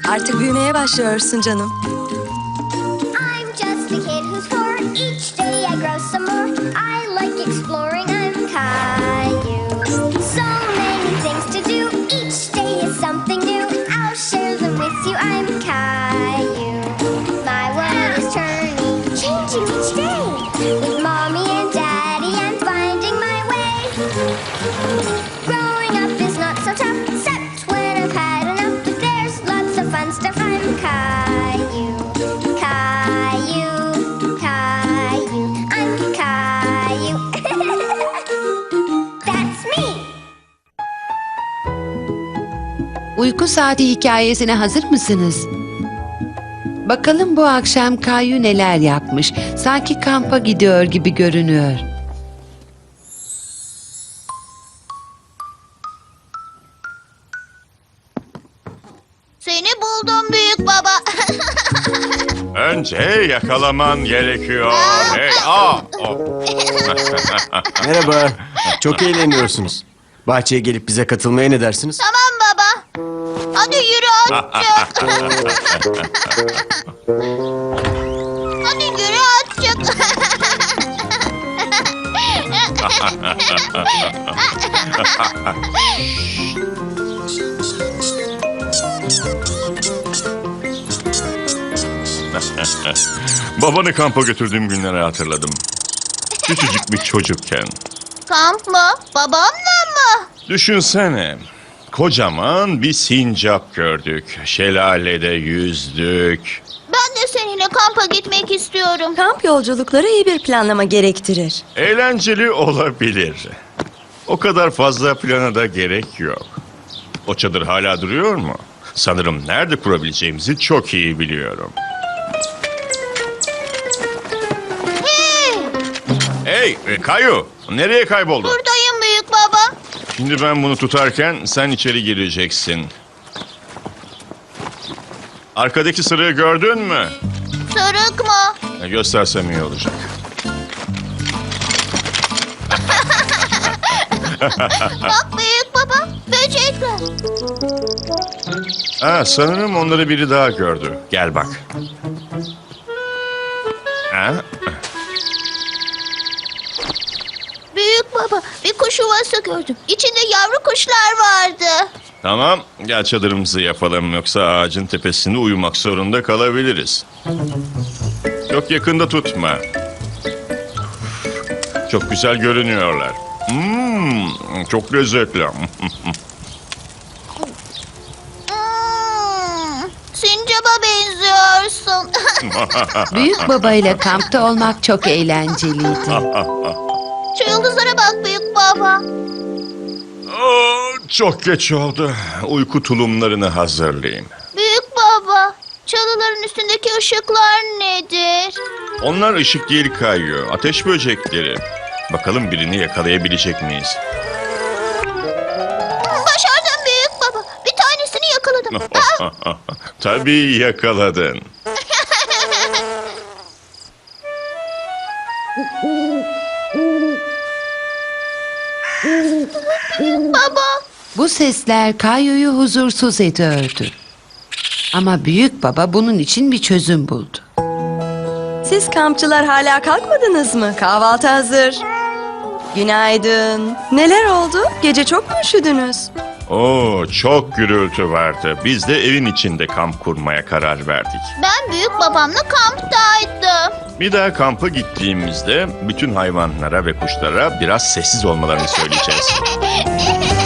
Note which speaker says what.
Speaker 1: Artık büyümeye başlıyorsun canım.
Speaker 2: I'm just a kid who's four. Each day I grow some more. I like exploring. I'm Caillou. So many things to do. Each day is something new. I'll share them with you. I'm Caillou. My world is turning, changing each day. With mommy and daddy, I'm finding my way. Growing up is not so tough, except when I've had enough. But there's lots of fun stuff. I'm Caillou. Caillou, Caillou, I'm Caillou. That's me.
Speaker 3: Uyku saati hikayesine hazır mısınız? Bakalım bu akşam Kayu neler yapmış. Sanki kampa gidiyor gibi görünüyor.
Speaker 2: Seni buldum büyük baba.
Speaker 4: Önce yakalaman gerekiyor. Hey,
Speaker 5: Merhaba. Çok eğleniyorsunuz. Bahçeye gelip bize katılmaya ne dersiniz?
Speaker 2: Tamam baba. Hadi yürü azıcık. Hadi yürü azıcık.
Speaker 4: Babanı kampa götürdüğüm günleri hatırladım. Küçücük bir çocukken.
Speaker 2: Kamp mı? Babamla mı?
Speaker 4: Düşünsene. Kocaman bir sincap gördük. Şelalede yüzdük.
Speaker 2: Ben de seninle kampa gitmek istiyorum.
Speaker 1: Kamp yolculukları iyi bir planlama gerektirir.
Speaker 4: Eğlenceli olabilir. O kadar fazla plana da gerek yok. O çadır hala duruyor mu? Sanırım nerede kurabileceğimizi çok iyi biliyorum. Hey Kayu, nereye kayboldun?
Speaker 2: Buradayım büyük baba.
Speaker 4: Şimdi ben bunu tutarken sen içeri gireceksin. Arkadaki sırığı gördün mü?
Speaker 2: Sarık mı?
Speaker 4: Göstersem iyi olacak.
Speaker 2: Bak büyük baba. Böcekler.
Speaker 4: Sanırım onları biri daha gördü. Gel bak. Ha?
Speaker 2: Büyük baba, bir kuş yuvası gördüm. İçinde yavru kuşlar vardı.
Speaker 4: Tamam, gel çadırımızı yapalım. Yoksa ağacın tepesinde uyumak zorunda kalabiliriz. Çok yakında tutma. Çok güzel görünüyorlar. Çok lezzetli.
Speaker 2: Sincap'a benziyorsun.
Speaker 3: Büyük baba ile kampta olmak çok eğlenceliydi.
Speaker 2: Şu yıldızlara bak büyük baba.
Speaker 4: Çok geç oldu. Uyku tulumlarını hazırlayayım.
Speaker 2: Büyük baba, çalıların üstündeki ışıklar nedir?
Speaker 4: Onlar ışık değil Kayu. Ateş böcekleri. Bakalım birini yakalayabilecek miyiz?
Speaker 2: Başardım büyük baba. Bir tanesini yakaladım.
Speaker 4: Tabii yakaladın.
Speaker 2: Baba,
Speaker 3: Bu sesler Kayu'yu huzursuz ediyordu. Ama büyük baba bunun için bir çözüm buldu.
Speaker 1: Siz kampçılar hala kalkmadınız mı? Kahvaltı hazır. Günaydın. Neler oldu? Gece çok mu üşüdünüz?
Speaker 4: Çok gürültü vardı. Biz de evin içinde kamp kurmaya karar verdik.
Speaker 2: ben büyük babamla kamptaydım.
Speaker 4: Bir daha kampa gittiğimizde bütün hayvanlara ve kuşlara biraz sessiz olmalarını söyleyeceğiz.